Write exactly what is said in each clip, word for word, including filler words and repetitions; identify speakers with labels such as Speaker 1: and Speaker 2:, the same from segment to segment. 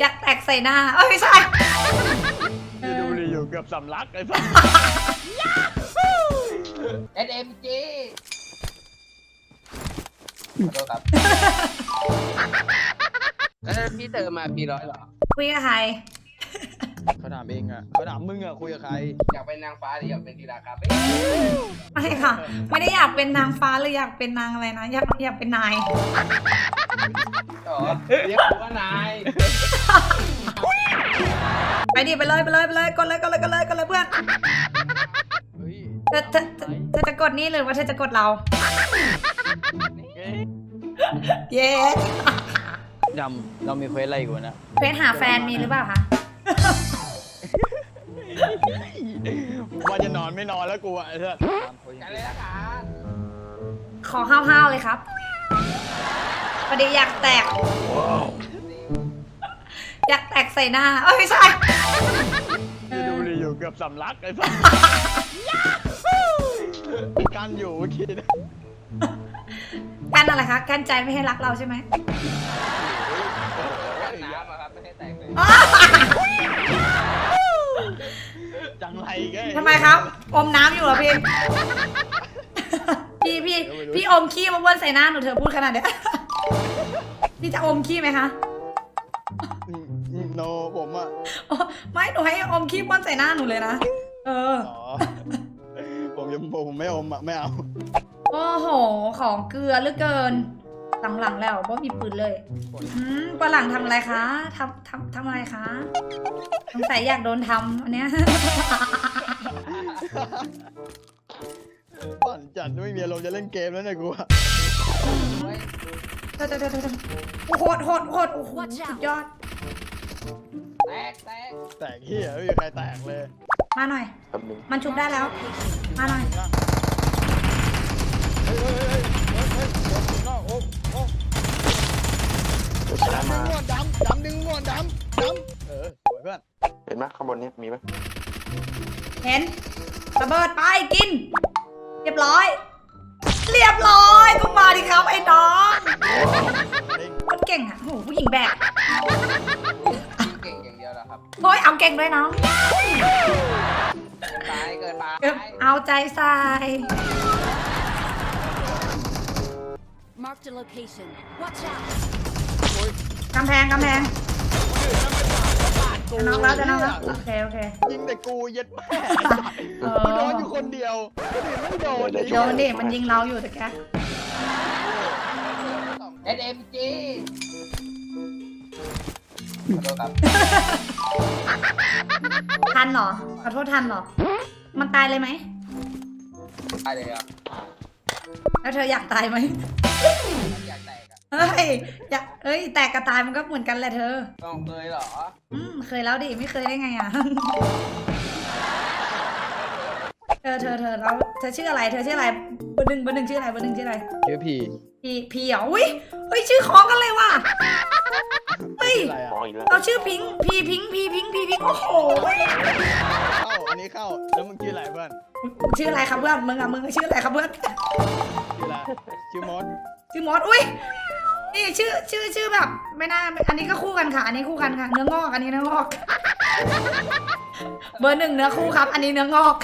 Speaker 1: อยากแตกใส่หน้าเอ้ยไม่ใช่
Speaker 2: ดูดิอยู่เกือบสำลักไอ้สัส
Speaker 3: เอสเอ็มจีขอโทษครับแล้วพี่เติมมาพี่ร้อยเหรอ
Speaker 1: คุยกับใคร
Speaker 2: เขาถามเองอ่ะเขาถามมึงอ่ะคุยกับใคร
Speaker 3: อยากเป็นนางฟ้าหรืออยากเป็นธีราครับ
Speaker 1: ไม่ค่ะ ไม่ได้อยากเป็นนางฟ้าหรืออยากเป็นนางอะไรนะอยากอยากเป็นนาย
Speaker 3: อ๋อเรียกผมว่านาย
Speaker 1: ไปดิไปเลยไปเลยไปเลยกดเลยกดเลยกดเลยกดเลยเพื่อน
Speaker 2: เฮ้ย
Speaker 1: เธอเธอเธอเธอจะกดนี่หรือว่าเธอจะกดเรา เย้
Speaker 2: ดำเรามีเควสอะไรกูนะ
Speaker 1: เพชรหาแฟนมีหรือเปล่าคะ
Speaker 2: ว่าจะนอนไม่นอนแล้วกูอ่ะไอ้สัส
Speaker 3: กันเลยละกัน
Speaker 1: ขอห้าวๆเลยครับพอดีอยากแตก อยากแตกใส่หน้าเอ้ยไม่ใช่
Speaker 2: ดูดิอยู่เกือบสำลักไอ้สัสกันอยู่เมื่อกี้นะ
Speaker 1: กันอะไรคะกันใจไม่ให้รักเราใช่ไหม
Speaker 3: กันน้ำอะครับไม่ให้แตกเลย
Speaker 2: จังไรแก
Speaker 1: ทำไมครับ อมน้ำอยู่เหรอพี่ พี่พี่พี่อมขี้มาบ้วนใส่หน้าหนูเธอพูดขนาดเนี้ย พี่จะอมขี้ไหมคะ
Speaker 2: โนผมอ่ะ
Speaker 1: อ๋อไม่หนูให้อมขี้บ้วนใส่หน้าหนูเลยนะ เออ
Speaker 2: อ๋อผมยังผมไม่อมอ่ะไม่เอา
Speaker 1: โอ้โห ของเกลือเหลือเกิน หลังๆแล้วเพราะมีปืนเลยอืมปะหลังทำอะไรคะทำทำทำอะไรคะสงสัยอยากโดนทำอันเนี้ย
Speaker 2: ปั่นจัดไม่มีอารมณ์จะเล่นเกมแล้วเนี่ยกูอะ
Speaker 1: เธอเธอเธอเธอโหดโหดโหดโอ้โหสุดยอด
Speaker 3: แตกแตก
Speaker 2: แตกเฮียไม่มีใครแตกเลย
Speaker 1: มาหน่อย มันชุบได้แล้ว มาหน่อย
Speaker 2: เฮ้ยเฮ้ยเฮ้ยเฮ้ยเฮ้ยเฮ้ยโอ้โหโอ้ดำดึงงวนดำดำดึงงวนดำดำเออสวยเพื่อน
Speaker 4: เห็นไหมข้างบนนี้มีไหม
Speaker 1: เห็นระเบิดไปกิน เรียบร้อย เรียบร้อยก็มาดิครับไอ้น้องคนเก่งอ่ะโหผู้หญิงแบก
Speaker 3: เก่งอย่างเดียวแล้วครับ
Speaker 1: โอ้ยเอาเก่งด้วยน้อง
Speaker 3: เกินไปเกินไป
Speaker 1: เอาใจใส่
Speaker 5: Marked a location. Watch out!
Speaker 1: กำแพงกำแพงจะน้องแล้วจะน้องแล้วโอเคโอเค
Speaker 2: ยิงแต่กูเย็ดแม่
Speaker 1: เออ
Speaker 2: กูโดนอยู่คนเดียวคนอื่นไม่โดน
Speaker 1: โดนดิมันยิงเราอยู่แต่แก
Speaker 3: เอสเอ็มจีขอโทษครับ
Speaker 1: ทันเหรอขอโทษทันเหรอ มันตายเลยไหม
Speaker 3: ตายเลยครับ
Speaker 1: แล้วเธออยากตายไหม
Speaker 3: อยากแตกอะ
Speaker 1: เฮ้ยอยากเอ้ยแตกกับตายมันก็เหมือนกันแหละเธอ
Speaker 3: ต้องเคยเหรอ
Speaker 1: อืมเคยแล้วดิไม่เคยได้ไงอ่ะ เธอเธอเธอแล้วเธอชื่ออะไรเธอชื่ออะไรเบอร์หนึ่งเบอร์หนึ่งชื่ออะไรเบอร์หนึ่งชื่ออะไร
Speaker 2: ชื่อพี
Speaker 1: พีพีเหรออุ้ยเฮ้ยชื่อคล้องกันเลยว่ะเฮ้ย
Speaker 2: อะไร
Speaker 4: ม
Speaker 2: อ่ะ
Speaker 4: องอีกแล้ว
Speaker 1: เราชื่อพิงค์พีพิงค์พีพิงค์พีพิงค์โอ้โห
Speaker 2: เข้าอันนี้เข้าแล้วมึงชื่ออะไรเพื่อน
Speaker 1: ชื่ออะไรครับเพื่อนมึงอ่ะมึงชื่ออะไรครับเพื่อน
Speaker 2: ชื่ออะไรชื่อมด
Speaker 1: ชื่อมอสอุ้ยนี่ชื่อชื่อชื่อแบบไม่น่าอันนี้ก็คู่กันค่ะ อันนี้คู่กันค่ะ เนื้องอกอันนี้เนื้องอก เบอร์หนึ่งเนื้อคู่ครับ อันนี้เนื้องอก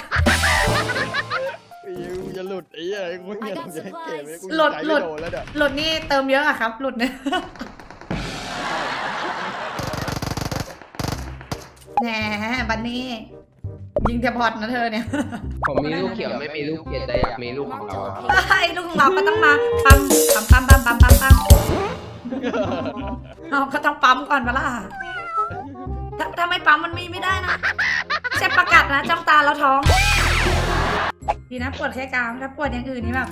Speaker 2: กูจะหลุดไอ้เหี้ยกูไม่อยากจะเล่นเกมเลยกู
Speaker 1: หลุด
Speaker 2: ใจ
Speaker 1: หลุ
Speaker 2: ไม่
Speaker 1: ด
Speaker 2: โดนแล้วเดี๋ยว
Speaker 1: หลุดนี่เติมเยอะอะครับ หลุดเนี่ย แหมบันนี่ยิงแต่บอดนะเธอเนี่ย
Speaker 3: ผมมีลูกเขียวไม่มีลูกเขียวแต่อยากมีลูกของ
Speaker 5: Marked
Speaker 3: เรา
Speaker 5: a
Speaker 3: ครับ
Speaker 5: location.
Speaker 1: ไอ้ลูกของเราก็ต้องมาปั๊มปั๊มปั๊มปั๊มปั๊มปั๊มปั๊มเอาก็ต้องปั๊มก่อนปะล่ะถ้าถ้าไม่ปั๊มมันมีไม่ได้นะไม่ใช่ประกาศนะจ้องตาแล้วท้องดีนะปวดแค่กรามถ้าปวดอย่างอื่นนี่แบบ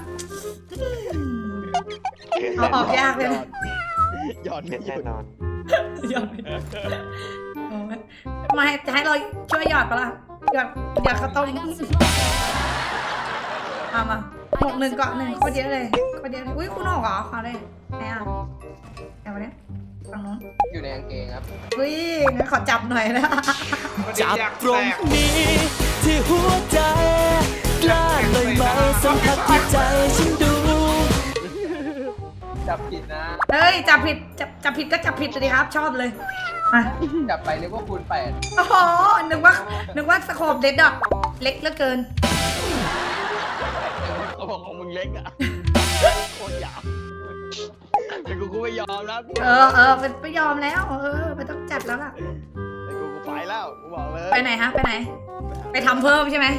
Speaker 1: เอาออกยากเลยนะ
Speaker 2: หยอด
Speaker 4: เด็
Speaker 2: ไม่
Speaker 4: ด
Speaker 2: หยุ
Speaker 4: แน่
Speaker 2: ด
Speaker 4: นอน
Speaker 1: หยอดโอ้ยมาให้จะให้เราช่วยหยอดปะล่ะหยอดหยอดข้าวต้ม
Speaker 5: I got supplies.
Speaker 1: เอามาหกหนึ่งเกาะหนึ่งโคตรเยอะเลยโคตรเยอะเลยอุ้ยคุณออกเหรอเอาเลยไหนอ่ะเอามาเนี่ยฝั่งนู้น
Speaker 3: อยู่ในกางเกงครับ
Speaker 1: อุ้ยงั้นขอจับหน่อยนะ
Speaker 6: จับตรงนี้ที่หัวใจกล้าเลยไหมสัมผัสที่ใจฉันดู
Speaker 3: จับผิดนะ
Speaker 1: เฮ้ยจับผิดจับจับผิดก็จับผิดเลยครับ ชอบเลยอ่ะ
Speaker 3: จับไปนึกว่าคูณแปด
Speaker 1: โอ้โหนึกว่านึกว่าสโคปเด็ดอะเล็กเหลือเกิน
Speaker 2: เขาบอกของมึงเล็กอ่ะโคตรยาวแต่กูกูไม่ยอมแล้ว
Speaker 1: เออเออเป็นไม่ยอมแล้วเออไม่ต้องจัดแล้วล่ะ
Speaker 2: แต่กูกูไปแล้วกูบอกเลย
Speaker 1: ไปไหนฮะไปไหน ไปทำเพิ่มใช่ไหม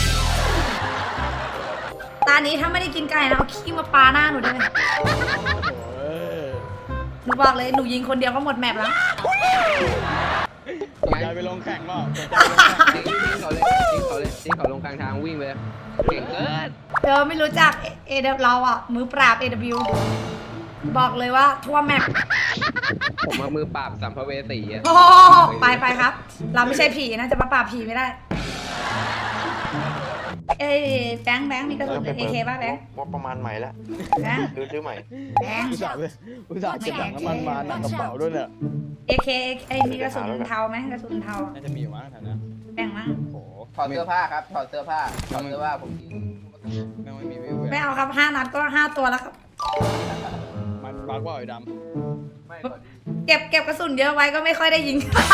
Speaker 1: ตานี้ถ้าไม่ได้กินไก่นะเอาขี้มาปาหน้าหนูได้ไหม
Speaker 2: เออ
Speaker 1: หนูบอกเลยหนูยิงคนเดียวก็หมดแมปแล้ว
Speaker 2: สนใจไปลงแข่งเปล่าสนใจไปลงแข่ง
Speaker 3: ทิ้งทิ้งเขาเลยทิ้งเขาเลยทิ้งเขาลงกลางทางวิ่งไปเลยเก่งเกิน
Speaker 1: เธอไม่รู้จักเอเดเราอ่ะมือปราบ เอ ดับเบิลยู บอกเลยว่าทั่วแมป
Speaker 3: ผมมามือปราบสัมภเวสีอะ
Speaker 1: โอ้ไปไปครับ เราไม่ใช่ผีนะจะมาปราบผีไม่ได้ เอ้ยแบงค์แบงค์มีกระสุนเอเคป่ะแบงค์
Speaker 4: ว่าประมาณใหม่แล้ว
Speaker 1: แบงค์
Speaker 4: ซื้อซื้อใหม่
Speaker 1: แบงค์
Speaker 2: อุตส่าห์ไปอุตส่าห์เก็บถังน้ำมันมาหนักกระเป๋าด้วยเนี่ย
Speaker 1: เอเคไอ้มีกระสุนเทาไหมกระสุนเทา
Speaker 2: น่าจะมีอยู่มั้งแถวนั้น
Speaker 1: แบ่งมั้ง
Speaker 2: โอ้โห
Speaker 3: ถอดเสื้อผ้าครับถอดเสื้อผ้าถอดเสื้อผ้าผมยิง
Speaker 2: แม่งไม่มีวิว
Speaker 1: ไม่เอาครับห้านัดก็ห้าตัวแล้วครับ
Speaker 2: มันบักว่าไอ้ด
Speaker 3: ไม่พอดี
Speaker 1: เก็บเก็บกระสุนเยอะไว้ก็ไม่ค่อยได้ยิง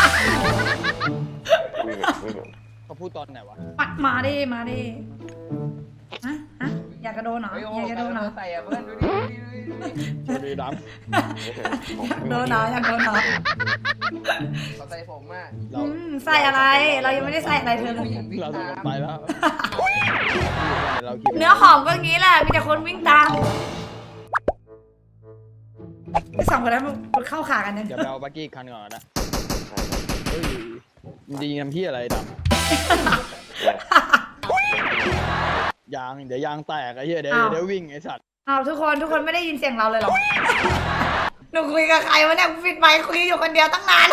Speaker 4: วิ่งแบบวิ่งแบบ
Speaker 2: ำเขาพูดตอนไหนวะ
Speaker 1: มามาดิมาดิฮะฮะอยากกระโดดเหรอ
Speaker 3: เฮ้ยโอ้
Speaker 1: อยากกระโดดเหรอ
Speaker 3: ใส่อะเพื่อนดูดิดูดิดูดิ
Speaker 2: ดูดีด
Speaker 1: อยากโดนเหรออยากโดนเหรอ
Speaker 3: เขาใส่ผมอะ
Speaker 2: ำเรา
Speaker 1: อืมใส่อะไร เรายังไม่ได้ใส่อะไรเธอเลย
Speaker 2: เราจะลงไปแล้วเราคิด
Speaker 1: เนื้อหอมก็งี้แหละ มีแต่คนวิ่งตามไอ้สองคนนั้นมันเข้าขากันเนี่ย
Speaker 2: เดี๋ยวไปเอาบักกี้อีกคันก่อนนะเฮ้ยมันดีน้ำพี่อะไรดำยางเดี๋ยวยางแตกไอ้เหี้ยเดี๋ยวเดี๋ยววิ่งไอ้สัตว์
Speaker 1: เอาทุกคนทุกคนไม่ได้ยินเสียงเราเลยเหรอ หนูคุยกับใครวะเนี่ยกูปิดไมค์คุยอยู่คนเดียวตั้งนาน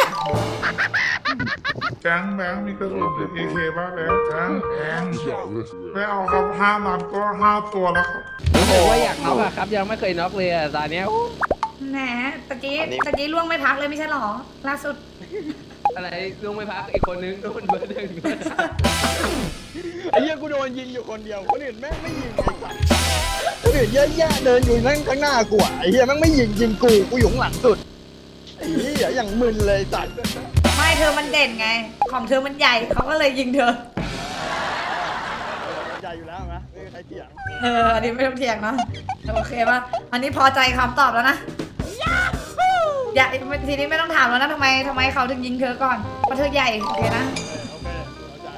Speaker 7: แบงค์แบงค์มีกระสุนเอเคบ้างแบงค์แบงค์แบงค์ไม่เอาครับห้านัดก็ห้าตัวแล้วครับ
Speaker 3: รู้สึกว่าอยากน็อกอะครับยังไม่เคยน็อกเลยอะตอนเนี้ย
Speaker 1: แหมตะกี้ตะกี้ล่วงไม่พักเลยไม่ใช่หรอ ล่าสุด
Speaker 3: อะไรลงไม่พักอีกคนนึงโดนเบอร์หนึ่ง
Speaker 2: ไอ้เหี้ยกูโดนยิงอยู่คนเดียวคนอื่นแม่งไม่ยิงไอ้สัตว์คนอื่นเยอะแยะเดินอยู่นั่งข้างหน้ากูอะไอ้เหี้ยแม่งไม่ยิงยิงกูกูอยู่ข้างหลังสุดไอ้เหี้ยอย่างมึนเลยสัตว์
Speaker 1: ไม่เธอมันเด่นไง ของเธอมันใหญ่เขาก็เลยยิงเธอ
Speaker 2: ใจอยู่แล้วนะไม่มีใครเถียง
Speaker 1: เออ อันนี้ไม่ต้องเถียงเนาะโอเคป่ะ อันนี้พอใจคำตอบแล้วนะ อย่าทีนี้ไม่ต้องถามแล้วนะทำไมทำไมเขาถึงยิงเธอก่อน เพราะเธอใหญ่โอเคนะ
Speaker 2: โอเคเข้าใจ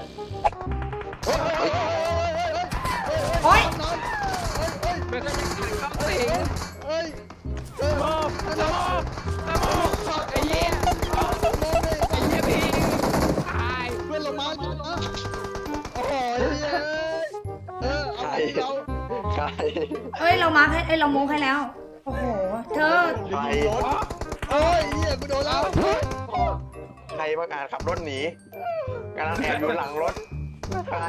Speaker 1: โอ๊ย
Speaker 3: ไม่เคยเข้าตัวเอง
Speaker 2: เฮ้ย
Speaker 3: โอ้โหไอ้เหี้ยไอ้เหี้ยพี่ตาย
Speaker 2: เพื่อนลงมาจุดนะโอ้โหเออเอาเรา
Speaker 4: ใคร
Speaker 1: เอ้ยเรามาร์คให้เอ้ยเราโม้ให้แล้ว โอ้โห เธอ
Speaker 4: ใคร
Speaker 2: เอ้ยเหี้ยกูโดนแล้ว
Speaker 4: ใครประกาศขับรถหนีกำลังแอบอยู่หลังรถใคร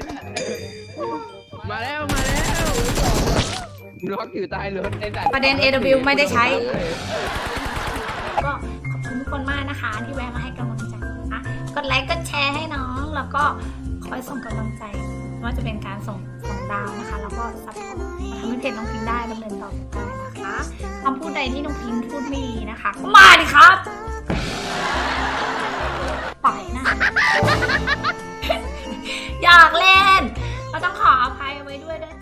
Speaker 3: มาแล้วมาแล้วน็อกอยู่ใต้รถไอ้สัตว์
Speaker 1: ประเด็น เอ ดับเบิลยู ไม่ได้ใช้ ก็ขอบคุณทุกคนมากนะคะ ที่แวะมาให้กำลังใจนะคะกดไลค์กดแชร์ให้น้อง แล้วก็คอยส่งกำลังใจไม่ว่าจะเป็นการส่งส่งดาวนะคะ แล้วก็ซัพพอร์ตทำให้เพจน้องพิงได้ดำเนินต่อไปได้นะคะคำพูดใดที่น้องพิงพูดไมีนะคะก็มาดิครับปล่อยนะ อยากเล่นก็ต้องขออภัยไว้ด้วยด้วย